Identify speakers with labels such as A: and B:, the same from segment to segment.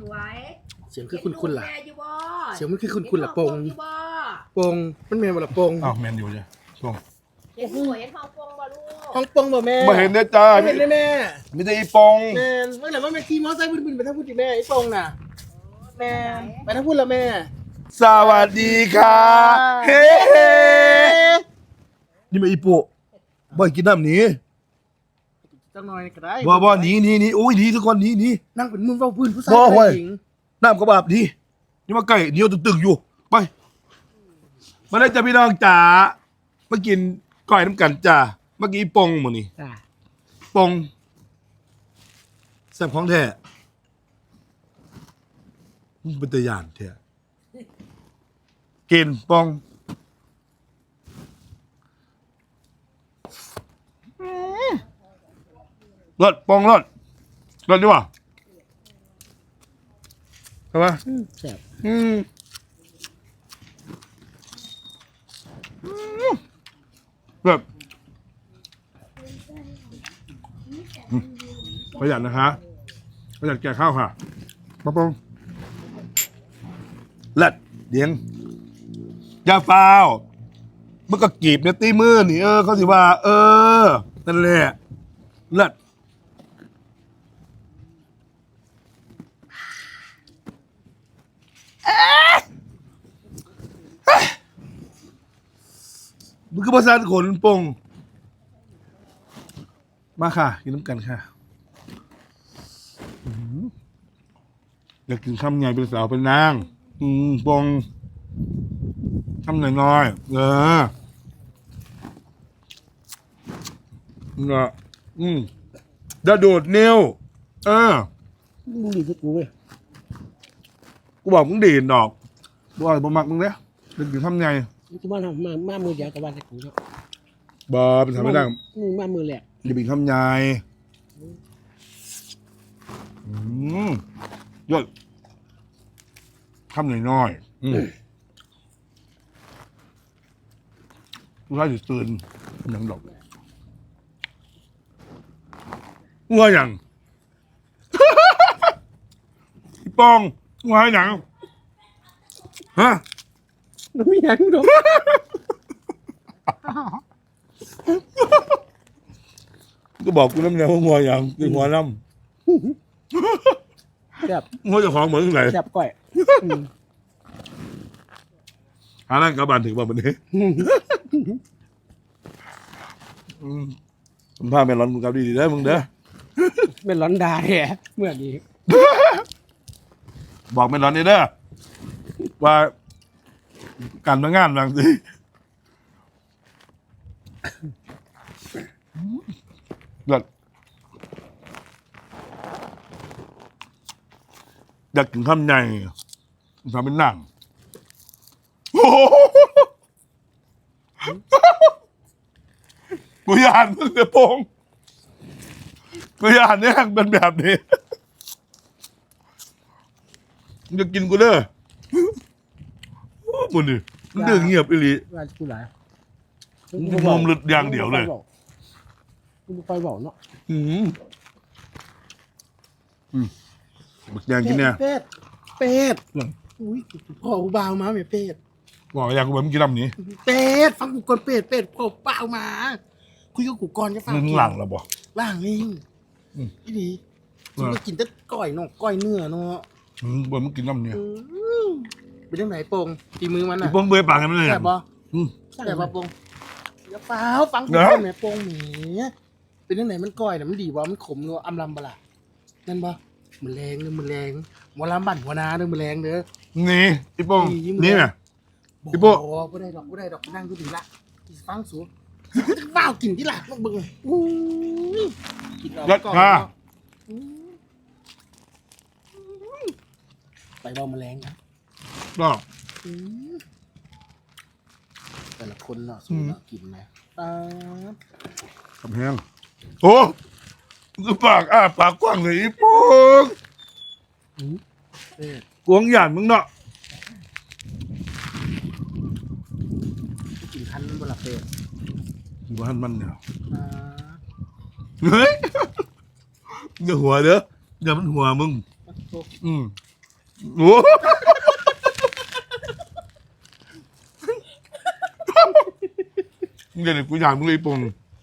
A: วย
B: เสียงคือคุณล่ะ
A: แม่อยู่บ่
B: เสียงมันคือคุณล่ะปง
A: อยู่บ่
B: ปงมันแม่นบ่ล่ะปง
C: อ้าวแมนอยู่จ้ะช่วง
A: เห็นหัวเห็นท้องปงบ่ลูก
B: ห้องปงบ่แม่
C: มาเห็นนะจ้า
B: ไม่เห็นเลยแม่
C: มีแต่อีปอง
B: แม่เมื่อไหร่ว่าแม่ขี่มอเตอร์ไซค์บึนๆไปทางพูดดิแม่ไอ้ปงน่ะแม่ไปทางพูดละแม่
C: สวัสดีค่ะเฮ้นี่มาอีโปะบ่อยกินน้ำหนี
B: จังหน่อยก็ได้
C: บ่หนีโอ้ยหนีทุกคนหนี
B: นั่งเป็นมึงเว้าพื้นผู้ชาย
C: บ่เว้ย
B: หญิง
C: น้ำกระบาบหนีนี่มาใกล้เหนียวตึงๆอยู่ไปมาได้จ้าพี่น้องจ๋ามากินก้อยน้ำกันจ้าเมื่อกี้อีปองหมดนี่
B: จ้า
C: ปองแซ่บของแท้เป็นตะยานแท้กินปองรสปองรสดีกว่าใช่ปะ
B: แซ่บ
C: แบบประหยัดนะคะประหยัดแก่ข้าวค่ะปะปองเลัดเดียงยาฟาวมันก็กีบเนี่ยตีมือนี่เขาสิว่า นั่นแหละเลัดมันคือภาษาขนปงมาค่ะ กินน้ำกันค่ะอยากกินข้าวใหญ่เป็นสาวเป็นนางปงข้าวน้อยๆเนาะดาโดดเนว
B: มึงดีที่กูเว้ย
C: กูบอกมึงดีดดอกบ่อยบ่มักมึงเนี่ยอยากกินข้าวใหญ่
B: กูว่าทำมามือเดียวกับวันที่กูเนาะ
C: บ่เป็นทำไม่ได้
B: มึงมามือแหลก
C: อย่าเป็นข้าวใหญ่ยอดข้าวน้อยๆกูได้จะตื่นหนังดอกงัวอย่าง พี่ปองงัวให้หนังฮะ
B: มันไม่ยังดอก
C: ก็บอกกูน้ำเนียว่างัวอย่างคืองัวน้
B: แซ่บ
C: ำงัวเจะของเหมือนไหน
B: แซ่บก้อย
C: หานั่งกระบาลถึงบ่วันนี้ผมพาไปร้อนมึงกับดีๆได้อมึงเด้อ
B: เป็นร้อนดาแท้เมื่อดี
C: บอกไม่ร้อนนี่เด้อว่าการมางานบางทีเลิศอยากกินข้าวใหญ่ทำเป็นหนังโอ้โหกูอยากมึงจะโปงกูอยากเนี่ยเป็นแบบนี้มึงจะกินกูเด้อมึงดิมึงเดือดเงียบอีหลี
B: ว่ากูหลาย
C: มึงมุมหลุดอย่างเดียวเลย
B: กูไปบอกเนาะ
C: บักยางกินเนี่ย
B: เป็ดอุ้ยพ่อกูบ่าวมาเมียเป็ด
C: บอกอยากกูแบบมึงกินลำนี้
B: เป็ดฟังกูก่อนเป็ดพ่อบ่าวมาคุยกับกูก่อนจะฟัง
C: มึงหลังแล้วบ่
B: ล่างนี่อีดีฉันก็กินแต่ก้อยเนาะก้อยเนื้อเนาะ
C: บ่มึงกินลำนี้
B: เป็นยังไงโป่งตีมือมัน
C: ไอ้
B: น่ะ
C: ป้องเบื่อปากกันเลย
B: แซ่บบ่
C: อืม
B: แซ่บบ่โป่งอย่าเปล่าฟังกู
C: เนอะ
B: ก่อนแม่โป่งแหมเป็นยังไงมันก้อยน่ะมันดีบ่มันขมเนาะอำลำบ่ล่ะนั่นบ่มันแรงเด้อมันแรงหมอลำบั่นหัวนาเด้อมันแรงเด้อ
C: นี่ไอ้ป้อง
B: นี่
C: นี่ไง
B: บอก
C: พี่โป้
B: บ่ได้ดอกนั่งอยู่ดีละฟังสูว้าวกินที่ละมึงเบิ่งอู้ยกินเอา
C: ยัด
B: ก่อน
C: ค่ะ
B: เนาะไปเบาแมลงนะ
C: ก็
B: แต่ละคนเนาะสูเนาะกินนะป๊าบ
C: กับแห้งโอ้คือปากปากกว้างเลยไอ้ป้อง
B: เอ๊ะ
C: กวงหยานมึงเนาะ
B: กินคันบนหลับเป็ด
C: บ้านมันเนี่ย
B: ป๊าบ
C: เฮ้ยอย่าหัวเด้ออย่ามันหัวมึง
B: โอ้
C: อืมโอ้เดี๋ยวกูอยากมึงเลยปง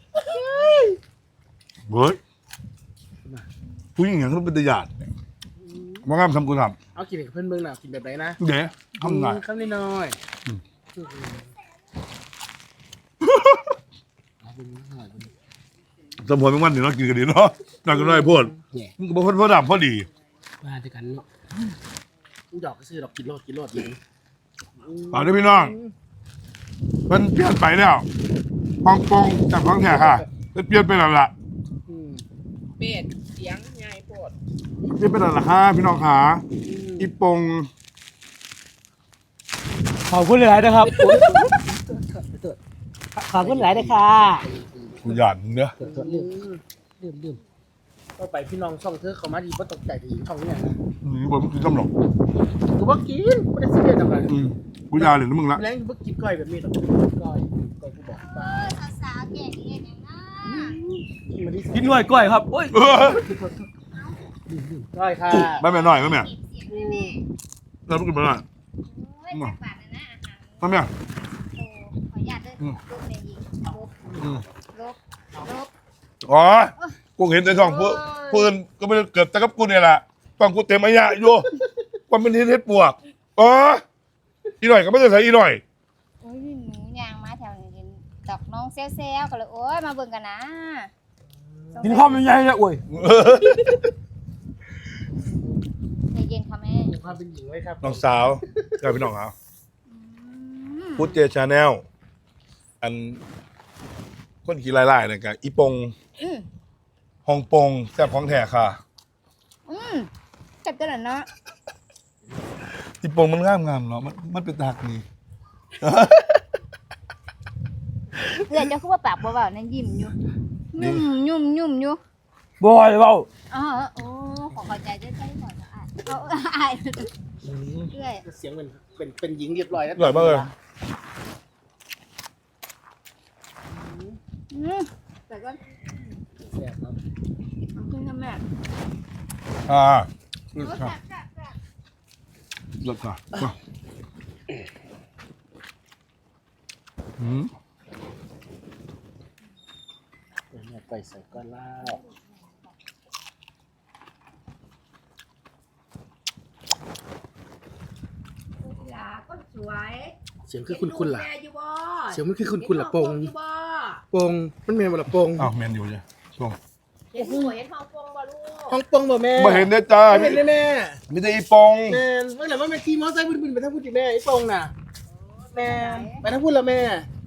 C: เฮ้ยผู้หญิงอย่างนั้นเป็นตะหยาดว่างามทำกูท
B: เอากินกับเพื่อนเบิ่งน่ะกินแบบไหนนะ
C: ำเดี๋ยวทำไง
B: ข้าวนิดหน่อยเอาเป็นหน่อยเป็น
C: สมพรเป็นวันหนึ่งเรากินกันดีเนาะนั่งกันได้พูด
B: แหน่
C: มึงก็บอกพ่อดำพ่อดี
B: มาด้วยกันเนาะกูดอกก็ซื้อดอกกินโลดอยู่
C: ฝากด้วยพี่น้องมันเปลี่ยนไปแล้วฮ่องกงจากฮ่องแท้ค่ะมันเปลี่ยนไปแล้วล่ะ
A: เป็ดเสียงใหญ่โพด
C: เปลี่ยนไปแล้วล่ะค่ะพี่น้องขาอีปง
D: ขอบคุณหลายนะครับ ขอบคุณหลายนะค่ะ
C: กูหยาดมึงเนอะ
B: ลืมก็ไปพี่น้องช่องเธอเขามาดีเพราะตกใจถึงช่องเนี่ยนะ
C: นี่บอกมึงกินซ้ำหรอก
B: กูว่ากินกูได้ซื้อเดือนอะไร
C: กูหยาดเลยนะมึงละ
B: แรงกูกินก้อยแบบนี้หรอกก้อยกูบอกไป
A: สาวๆแก่เองอย่างนั้น
B: มาที่
D: กินหน่วยกล้วยครับโอ้ย
B: ก้อยค่ะ
C: ไม่แม่น้อยไม่แม่
A: เสียงแม่
C: เราไม่กินไม่ได้
A: โอ้ยจักบาทนะอาหาร
C: ไม่แม่
A: โตขออนุญาตด้วยลูกแม่ยิงลบ
C: อ๋อกูเห็นในช่องเพื่อนก็ไม่ได้เกิดแต่กับกูเนี่ยแหละฟังกูเต็มอายะอยู่ว่ามันเฮ็ดปวกอ๋ออีหน่อยก็ไม่ได้ใส่อีหน่อย
A: โอ้ยหนูยางมาแถวนี้เห็นดอกน้องเซลก็เลยโอ้ยมาเบิ่งกันนะ
D: กินข้าวมันใหญ่เลยโอ้ย
A: ใจเย็นค่ะแม่
B: มีความเป็นหญิงไว้ครับ
C: น้องสาวกลายเป็นน้องเอาพุทธเจชาแนลอันคนขี่ไล่ๆเนี่ยกับอีปงฮ่องปงแซ่บของแท้ค่ะ
A: จับกันเนาะ
C: อีปงมันงามเนาะมันเป็นตากนี่
A: เดี๋ยวจะพูดว่าปากเบาๆนั่นยิ้มอยู่ยุ่มอยู่
D: บอยเบา
A: อ๋อโอ้ขอเข้าใจด้วยใจหน่อยนะเอาอายเรื่อย
B: เสียงเป็นหญิงเรียบร้อยแล้ว
C: อร่อยมากเลย
A: แต่ก็
B: แซ่บครับ
A: ขึ้นกับแม่
C: เลิศค่ะเลิศค่ะมาอืม
B: เนี่ยไปใส่ก้อนเหล้า
A: ลาก็สวย
B: เสียงคือคุณล่ะ
A: แม่อยู่บ่
B: เสียงมันคือคุณล่ะปง
A: อยู่บ่
B: ปงมันเมนบ่ล่ะปง
C: อ้าวแมนอยู่จ้ะช่วง
A: เห็นหัวเห็นทองฟงบ่ลูก
B: ห้องปงบ่แม่
C: มาเห็นได้จ้า
B: ไม่เห็นได้แม่
C: มีแต่อีปง
B: แม่เมื่อไหร่ว่าแม่ขี่มอเตอร์ไซค์บึ้นๆไปทางพูดดิแม่ไอ้ปงน่ะแม่ไปทางพูดละแม่
A: โ